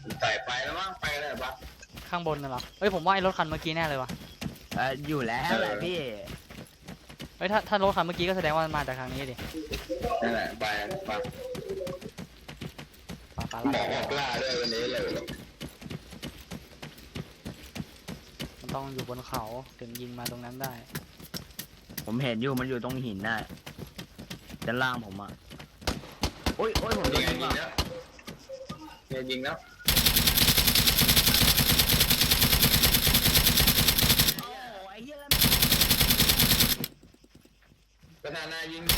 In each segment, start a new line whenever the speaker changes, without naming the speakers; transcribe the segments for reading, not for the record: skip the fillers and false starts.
ใส่ไปแล้วมั้งไปอะไรปะ
ข้างบนน่ะเหรอเอ้ยผมว่าไอ้รถคันเมื่อกี้แน่เลยวะ
อยู่แล้วแหละพี่
เอ้ยถ้ารถคันเมื่อกี้ก็แสดงว่ามันมาจากทางนี้ดิ
นั่นแหละไปไป
ป่าป่า
หมอออกล่าด้วยวันนี้เลย
มันต้องอยู่บนเขาถึงยิงมาตรงนั้นได้
ผมเห็นอยู่มันอยู่ตรงหินน่ะด้านล่างผมอ่ะโอ้ยผมโด
ยิ
น
ง
ยิง
ยิง
อ่ะ
แล้วยิงแล้ว
โอ้ไอ้เหี้ยแล้ว
ประธานายิง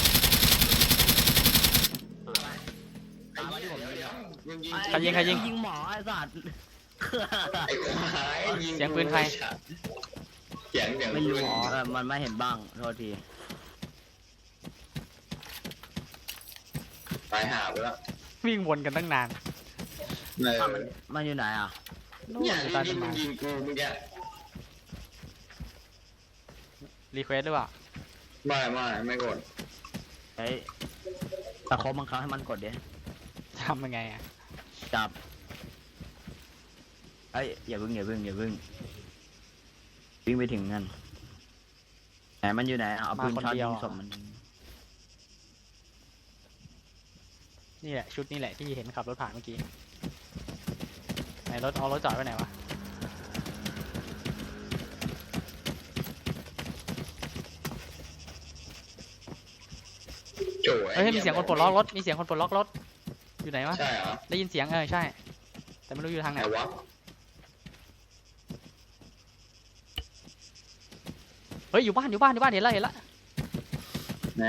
ตามมาที่ผมเลย
ยิง
ใครยิง
ยิงหมอไอ้สัตว์
ไอ้ควายยิง
เสียงปืนใคร
เสียง
ไม่รู้
ปืน
มันไม่เห็นบ้างโทษที
ไปหาไปแล้ว
วิ่งวนกันตั้งนาน
เนี่ย
มันอยู่ไหนอ่ะ
เนี่ย
อยู่ใต้ต้
ยิ
น
ง
ไม้
ยิงกูเมื่อกี้
รีเควสหรือเปล่า
ไม่กด
เฮ้ยตะคบบังคับให้มันกดดิ
ทำยังไงอ่ะ
จับเอ้ยอย่าพึ่งวิ่งไปถึงนั่นไหนมันอยู่ไหนเอาปืนช็อตยิงศพมัน
นี่แหละชุดนี่แหละที่เห็นขับรถผ่านเมื่อกี้ไหนรถเอารถจอดไว้ไหนวะ
โจ้
เฮ้ยมีเสียงคนปลดล็อกรถมีเสียงคนปลดล็อกรถอยู่ไหนวะ
ใช่เหรอ
ได้ยินเสียงใช่ แต่ไม่รู้อยู่ทางไห
ไห
น
นวะ
เฮ้ยอยู่บ้านเห็นแล้ว
ไหน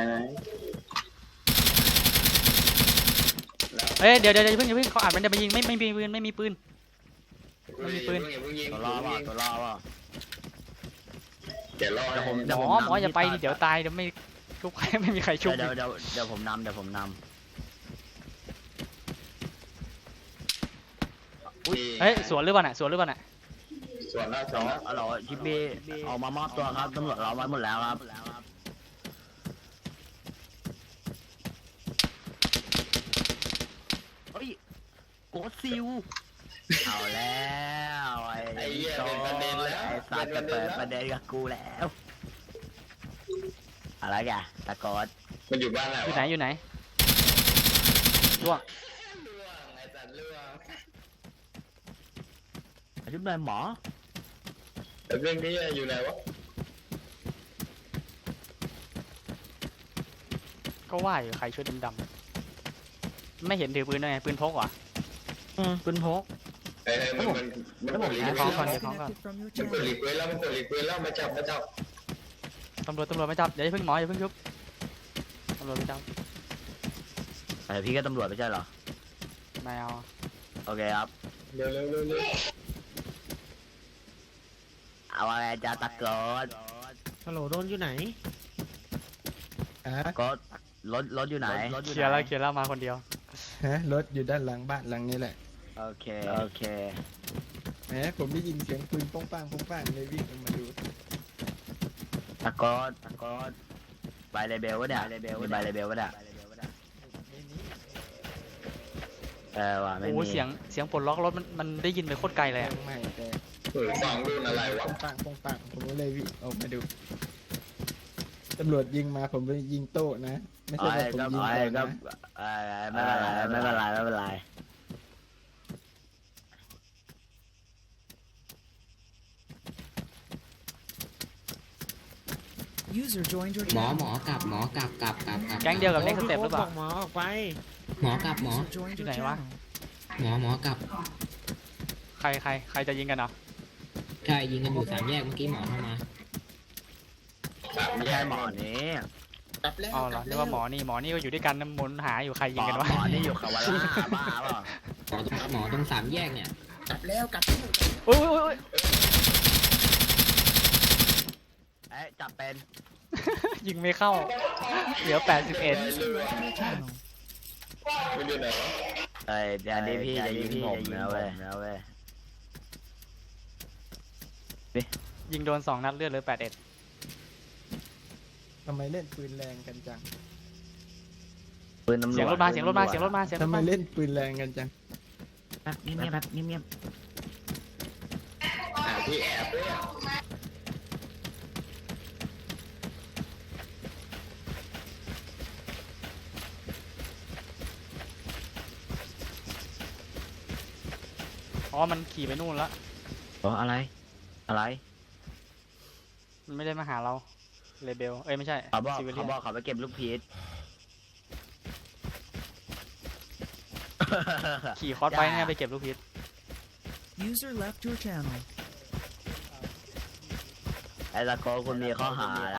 เฮ้ยเดี๋ยวอย่าเพิ่งเขาอาจมันจะไปยิงไม่มีปืน มีปืน
ตัวรอว่ะ
เดี๋ยวรอ
หมออย่าไปดิเดี๋ยวตายเดี๋ยวไม่ชุบใครไม่มีใครชุบ
เดี๋ยวผมนำ
เฮ้ยสวนหรือเปล่าน่ะ
ส่วนแล้ว
เราชิปปี้ออกมามอบตัวครับตำรวจเราไว้หมดแล้วครับเฮ้ยโกดซิลเอาแล้วไอ้โจ้ไอ้สัตว์จะเปิดประเด็นกับกูแล้วอะไรแกตะโกด
มันอยู่บ้านไหน
อยู่ไหนล่วง
ไอ้สัตว์ล่วง
ชุบเลยหมอ
แต่เรื่องนี้อยู่ไหนวะ
ก็ว่าอยู่ใครช่วยดำๆไม่เห็นถือปืนด้วยไงปืนพกเหรอ
ปืนพก
เฮ้ยมันกดรี
เดี๋ยว
เคว
ของ
ส
ก่อนเดี๋ยวของก่อน
มันกดรีเควสแล้วมาจับ
ตำรวจไม่จับเดี๋ยวอย่าเพิ่งหมออย่าเพิ่งชุบตำรวจไม่จับ
พี่ก็ตำรวจไม่ใช่เหรอ
ไม่เอา
โอเคครับ
เร็ว
เอาอะไรจะตะโกด
ฮัลโหลโดนอยู่ไหน
ก็รถอยู่ไหน
เคลียร์แล้วมาคนเดียว
ฮะ รถอยู่ด้านหลังบ้านหลังนี้แหละ
โอเค
แหมผมได้ยินเสียงปืนป้องป้างเลยวิ่งออกมาดู
ตะโกดใบเลเบลวะเนี่ยมีใบเลเบลวะเนี่ยว่ะไม่
โอ้
มี
เสียงปลดล็อกรถมันได้ยินไปโคตรไกลเลย
ยั
อะ
งไม่แต่
ฟังรุ่นอะไรวะ
ป้องป้างผมก็เลยวิ่งออกมาดูตำรวจยิงมาผมไปยิงโต้นะ ไม่ใช่ว่าผมยิงก่อนนะ
ไม่เป็นไร
User joined your
หมอ
channel.
กลับ
แก๊งเดียวกับเน็กสเต็ปหรือเปล่า
หมอออกไป
หมอกลับ
User joined your
Này quá.
channel.
หมอกลับ
ใครจะยิงกันเหรอ
ใช่ยิงกันอยู่สามแยกเมื่อกี้หมอเข้ามา
ไม่ใช่หมอนี้
อ๋อเหรอเรียกว่าหมอนี่ก็อยู่ด้วยกันน้ำมนต์หาอยู่ใครยิงกันวะ
หมอนี่อยู่คาวาร่าบ้าเปล่า
หมอตรงสามแยกเนี่ย
โอ้ย
จับเป็น
ยิงไม่เข้าเหลือ81
User left your channel.
มันอยู่ไหนวะ
เดี๋ยวนี้พี่จะยิงผมนะเว้ย
ยิงโดน2 นัดเลือดเหลือ81
ทำไมเล่นปืนแรงกันจัง
ปืนตำรวจ
เสียงรถมา
ทำไมเล่นปืนแรงกันจัง
แป๊บเงียบๆแป๊บเงียบ
ที่แอบด้วย
อ๋อมันขี่ไปนู่นละ
ๆอ๋ออะไรอะไร
มันไม่ได้มาหาเราเลเบลเอ้ยไม่ใช่
เขาบอก
ซิวิเลี
เขา
ยน
บอกเขาไปเก็บลูกพีช
ขี่คอร์สไปเนี่ยไปเก็บลูกพิษ
User left your channel.
ไอ้ตะโกคุณมีข้อหา